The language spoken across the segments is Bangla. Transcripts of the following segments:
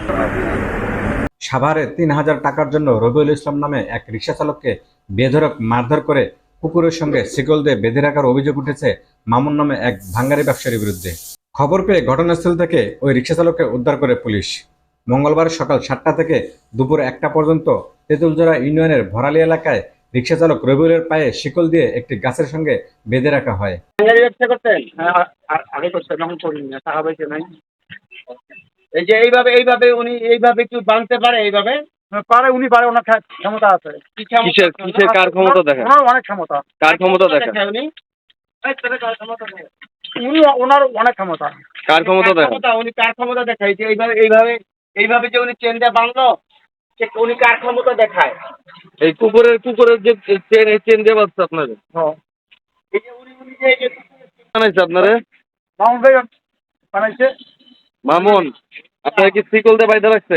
সাভারে ৩,০০০ টাকার জন্য রবিউল ইসলাম নামে এক রিকশা চালককে বেধড়ক মারধর করে কুকুরের সঙ্গে শিকল দিয়ে বেঁধে রাখার অভিযোগ উঠেছে মামুন নামে এক ভাঙ্গারি ব্যবসায়ীর বিরুদ্ধে। খবর পেয়ে ঘটনাস্থল থেকে ওই রিকশা চালককে উদ্ধার করে পুলিশ। মঙ্গলবার সকাল ৭টা থেকে দুপুর ১টা পর্যন্ত তেঁতুলজোড়া ইউনিয়নের ভরালি এলাকায় রিকশা চালক রবিউলের পায়ে শিকল দিয়ে একটি গাছের সঙ্গে বেঁধে রাখা হয়। ব্যবসা করতেন? আগে করতেন, এখন করি না, টাকা পয়সা নাই। এই যে এইভাবে উনি এইভাবে কি বাঁধতে পারে? এইভাবে পারে, উনি পারে, ওনার ক্ষমতা আছে। কিসের কার ক্ষমতা দেখেন? ওনার অনেক ক্ষমতা। কার ক্ষমতা দেখেন? উনি ওনার অনেক ক্ষমতা। কার ক্ষমতা দেখেন? উনি কার ক্ষমতা দেখায়? যে এইভাবে যে উনি চেন দিয়ে বাঁধলো, উনি কার ক্ষমতা দেখায়? এই কুকুরের যে চেন দিয়ে বাঁধছে আপনাদের? এই যে উনি যে বানাইছে আপনারে? মামুন ভাই বানাইছে। মামুন, আপনারা কি শিকল দিয়ে বাইধা রাখছে?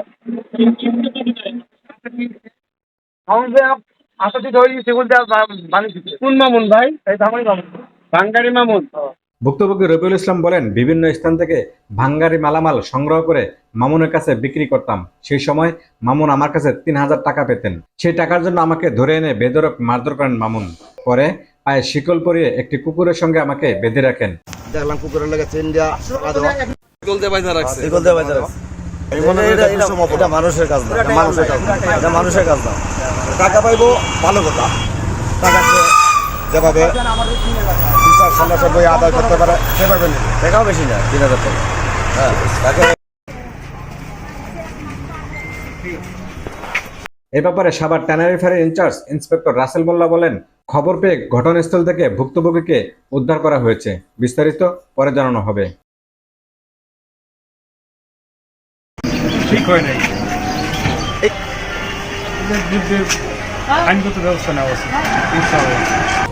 মামুন ভাই আসাতে ধরে সেগুন দিয়ে বানিয়েছে। কোন মামুন ভাই? এই ধামারি মামুন, বাঙ্গারি মামুন। ভুক্তভোগী রবিউল ইসলাম বলেন, বিভিন্ন স্থান থেকে ভাঙ্গারি মালামাল সংগ্রহ করে মামুনের কাছে বিক্রি করতাম। সেই সময় মামুন আমার কাছে ৩,০০০ টাকা পেতেন। সেই টাকার জন্য আমাকে ধরে এনে বেধড়ক মারধর করেন মামুন। পরে পায়ে শিকল পরিয়ে একটি কুকুরের সঙ্গে আমাকে বেঁধে রাখেন। দেখলাম কুকুরের লাগে চেন দিয়া শিকল দিয়ে বাইধা রাখছে। শিকল দিয়ে বাইধা রাখছে। এটা মানুষের কাজ না, এটা মানুষের কাজ না। টাকা পাইবো ভালো কথা, টাকাকে যেভাবে সন্ন্যাসের বই আদায় করতে পারে সেভাবে নেই। টাকাও বেশি না, ৩,০০০ টাকা। হ্যাঁ, তাকে এ ব্যাপারে সাভার ট্যানারি ফাঁড়ির ইনচার্জ ইন্সপেক্টর রাসেল মোল্লা বলেন, খবর পেয়ে ঘটনাস্থল থেকে ভুক্তভোগীকে উদ্ধার করা হয়েছে। বিস্তারিত পরে জানানো হবে। ঠিক হয় নাই, আইনগত ব্যবস্থা নেওয়া উচিত।